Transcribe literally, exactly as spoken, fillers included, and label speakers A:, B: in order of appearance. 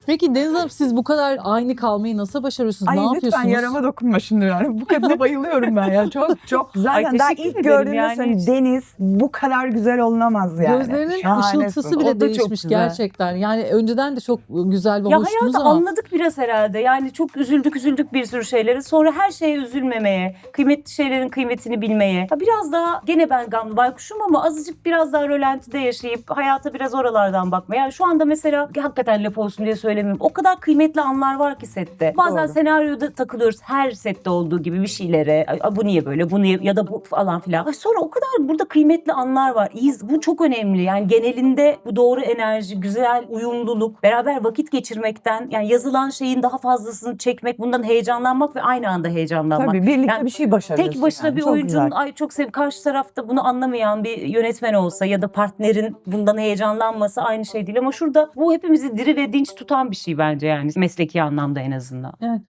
A: Peki Deniz Hanım, siz bu kadar aynı kalmayı nasıl başarıyorsunuz?
B: Ay
A: Ne
B: lütfen
A: yapıyorsunuz?
B: yarama dokunma şimdi yani. Bu kadına bayılıyorum ben ya. Çok çok güzel.
C: Ay,
B: Yani daha
C: teşekkür
B: ilk
C: ederim
B: gördüğümde
C: yani.
B: söyleyeyim, Deniz bu kadar güzel olunamaz yani.
A: Gözlerinin
B: Şahanesin.
A: ışıltısı
B: O
A: bile
B: da çok
A: değişmiş
B: güzel.
A: gerçekten. Yani önceden de çok güzel ve
C: Ya
A: hoştunuz
C: hayatı
A: ama
C: anladık biraz herhalde. Yani çok üzüldük üzüldük bir sürü şeylere. Sonra her şeye üzülmemeye, kıymetli şeylerin kıymetini bilmeye. Ya biraz daha gene ben gamlı baykuşum ama azıcık biraz daha rölantide yaşayıp hayata biraz oralardan bakmaya. Yani şu anda mesela hakikaten laf olsun diye söylemiyorum. O kadar kıymetli anlar var ki sette. Bazen
B: Doğru.
C: senaryoda takılıyoruz her sette olduğu gibi bir şeylere. Ay, bu niye böyle, bu niye ya da bu falan filan. Ay, sonra o kadar burada kıymetli anlar var. İyiyiz. Bu çok önemli. Yani genelinde bu doğru enerji, güzel uyumluluk, beraber vakit geçirmekten, yani yazılan şeyin daha fazlasını çekmek, bundan heyecanlanmak ve aynı anda heyecanlanmak.
B: Tabii birlikte
C: Yani
B: bir şey başarıyorsun.
C: tek başına
B: yani.
C: bir
B: Çok
C: oyuncunun
B: güzel.
C: ay çok sev karşı tarafta bunu anlamayan bir yönetmen olsa ya da partnerin bundan heyecanlanması aynı şey değil ama şurada bu hepimizi diri ve dinç tutan bir şey bence, yani mesleki anlamda en azından.
A: evet.